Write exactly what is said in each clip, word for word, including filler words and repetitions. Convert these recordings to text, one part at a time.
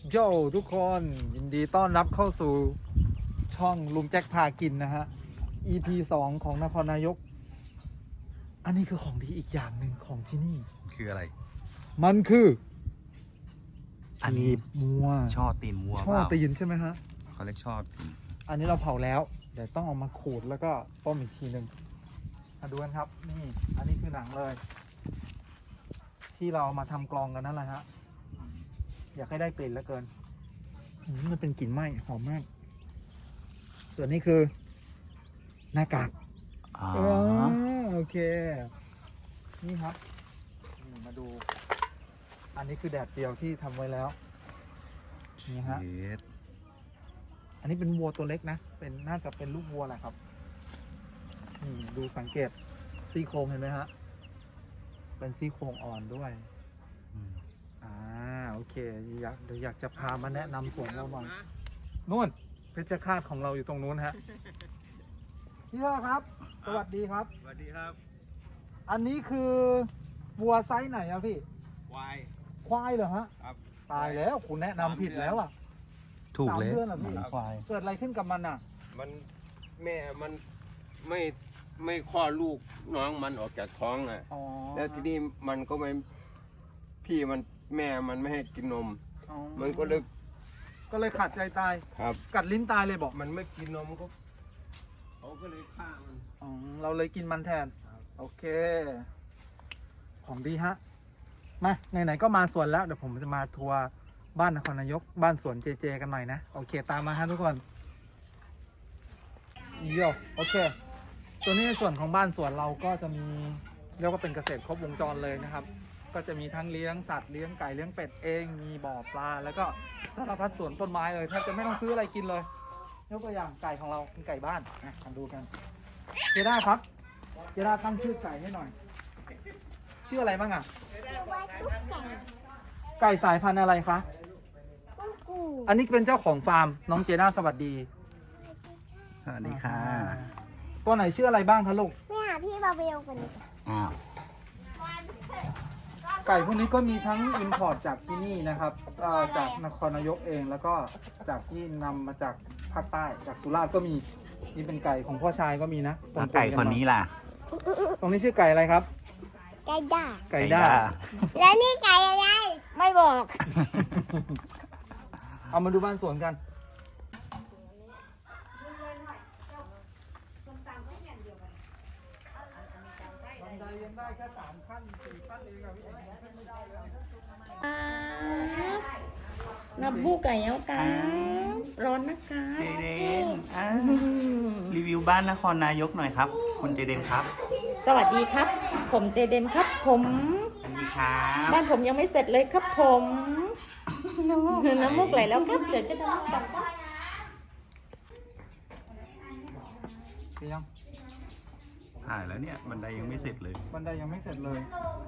โย่ทุกคนยินดีต้อนรับเข้าสู่ช่องลุงแจ็คพากินนะฮะ อี พี สองของนครนายกอันนี้คือของดีอีกอย่างหนึ่งของที่นี่คืออะไรมันคืออันนี้มัวช่อตีนวัวช่อตีนใช่ไหมฮะเขาเรียกช่อตีนอันนี้เราเผาแล้วเดี๋ยวต้องเอามาขูดแล้วก็ต้มอีกทีหนึ่งมาดูกันครับนี่อันนี้คือหนังเลย ที่เรามาทำกลองกันนั่นแหละฮะอยากให้ได้กลิ่นเหลือเกินมันเป็นกลิ่นไหม้หอมมากส่วนนี้คือหน้ากากอ๋อโอเคนี่ครับมาดูอันนี้คือแดดเดียวที่ทำไว้แล้วนี่ฮะอันนี้เป็นวัวตัวเล็กนะเป็นน่าจะเป็นลูกวัวแหละครับนี่ดูสังเกตซี่โครงเห็นไหมฮะเป็นซี่โครงอ่อนด้วยอ่าโอเคอยากเดี๋ยวอยากจะพามาแนะนำสวนเราบ้างนู่นเพชรฆาตของเราอยู่ตรงนู้นฮะพี่พ่อครับสวัสดีครับสวัสดีครับอันนี้คือวัวไซส์ไหนอะพี่ควายควายเหรอฮะครับตายแล้วคุณแนะนำผิดแล้วอะถูกเลยสามเดือนเหรอพี่ควายเกิดอะไรขึ้นกับมันอะมันแม่มันไม่ไม่คลอดลูกน้องมันออกจากท้องอ่ะแล้วทีนี้มันก็ไม่พี่มันแม่มันไม่ให้กินนมมันก็เลยก็เลยขาดใจตายครับกัดลิ้นตายเลยบอกมันไม่กินนมก็เขาก็เลยฆ่ามันอ๋อเราเลยกินมันแทนโอเคของดีฮะมาไหนๆก็มาสวนแล้วเดี๋ยวผมจะมาทัวร์บ้านนครนายกบ้านสวนเจเจกันหน่อยนะโอเคตามมาฮะทุกคนโยโอเคตัวนี้ในส่วนของบ้านสวนเราก็จะมีเรียกว่าเป็นเกษตรครบวงจรเลยนะครับก็จะมีทั้งเลี้ยงสัตว์เลี้ยงไก่เลี้ยงเป็ดเองมีบ่อปลาแล้วก็สารพัดสวนต้นไม้เลยแทบจะไม่ต้องซื้ออะไรกินเลยยกตัวอย่างไก่ของเราเป็นไก่บ้านนะมาดูกันเจด้าครับเจด้าตั้งชื่อไก่ให้หน่อยชื่ออะไรบ้างอ่ะไก่สายพันธุ์อะไรคะอันนี้เป็นเจ้าของฟาร์มน้องเจด้าสวัสดีสวัสดีค่ะตัวไหนชื่ออะไรบ้างคะลูกไม่หาพี่บาเบลกันเลยอ้าวไก่พวกนี้ก็มีทั้งอินพอร์ตจากที่นี่นะครับจากนครนายกเองแล้วก็จากที่นำมาจากภาคใต้จากสุราษฎร์ก็มีนี่เป็นไก่ของพ่อชายก็มีนะไก่คนนี้ล่ะตรงนี้ชื่อไก่อะไรครับไก่ด่าไก่ด่าแล้วนี่ไก่อะไรไม่บอกเอามาดูบ้านสวนกันได้แค่สามขั้นสี่ขั้นเองอะพี่เองขึ้นไม่ได้เลยนับบูไก่เอากันร้อนนะคะเจเดนรีวิวบ้านนครนายกหน่อยครับคุณเจเดนครับสวัสดีครับผมเจเดนครับผมสวัสดีครับบ้านผมยังไม่เสร็จเลยครับผมน้ำมูกไหลแล้วครับเดี๋ยวจะน้ำมูกต่อครับเสียงถ่ายแล้วเนี่ยบันไดยังไม่เสร็จเลยบันไดยังไม่เสร็จเลย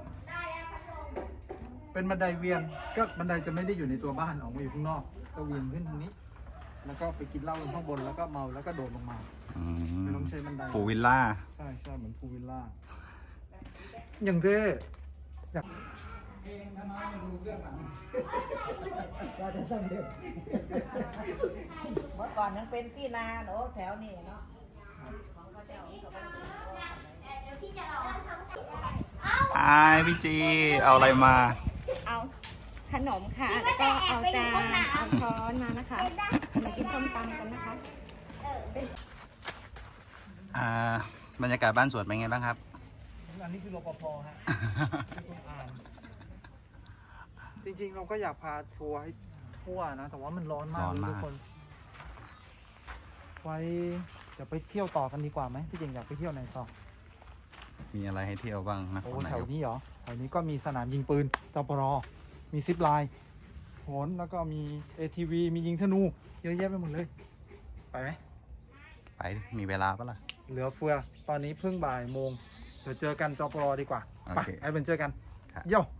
เป็นบันไดเวียนก็บันไดจะไม่ได้อยู่ในตัวบ้านออกมาอยู่ข้างนอกก็เวียนขึ้นทางนี้แล้วก็ไปกินเหล้าข้างบนแล้วก็เมาแล้วก็โดดลงมาไม่ต้องใช้บันไดพูวิลล่าใช่ใช่เหมือนพูวิลล่าอย่างเท่อยากเมื่อก่อนยังเป็นที่นาเนาะแถวนี้เนาะไอพี่จีเอาอะไรมาเอาขนมค่ะแล้วก็เอาจานเอาช้อนมานะคะมากินส้มตำกันนะคะอ่าบรรยากาศบ้านสวนเป็นไงบ้างครับอันนี้คือรปภฮะจริงๆเราก็อยากพาทัวร์ให้ทั่วนะแต่ว่ามันร้อนมากทุกคนไว้จะไปเที่ยวต่อกันดีกว่าไหมพี่เจงอยากไปเที่ยวไหนต่อมีอะไรให้เที่ยวบ้างนะโอ้แถวนี้เหรอแถวนี้ก็มีสนามยิงปืนจปรมีซิปไลน์โหนแล้วก็มี เอ ที วี มียิงธนูเยอะแยะไปหมดเลยไปไหมไปมีเวลาปะล่ะเหลือเฟือตอนนี้เพิ่งบ่ายโมงเดี๋ยวเจอกันจปรดีกว่าไปไอ้เป็นเจอกันเย้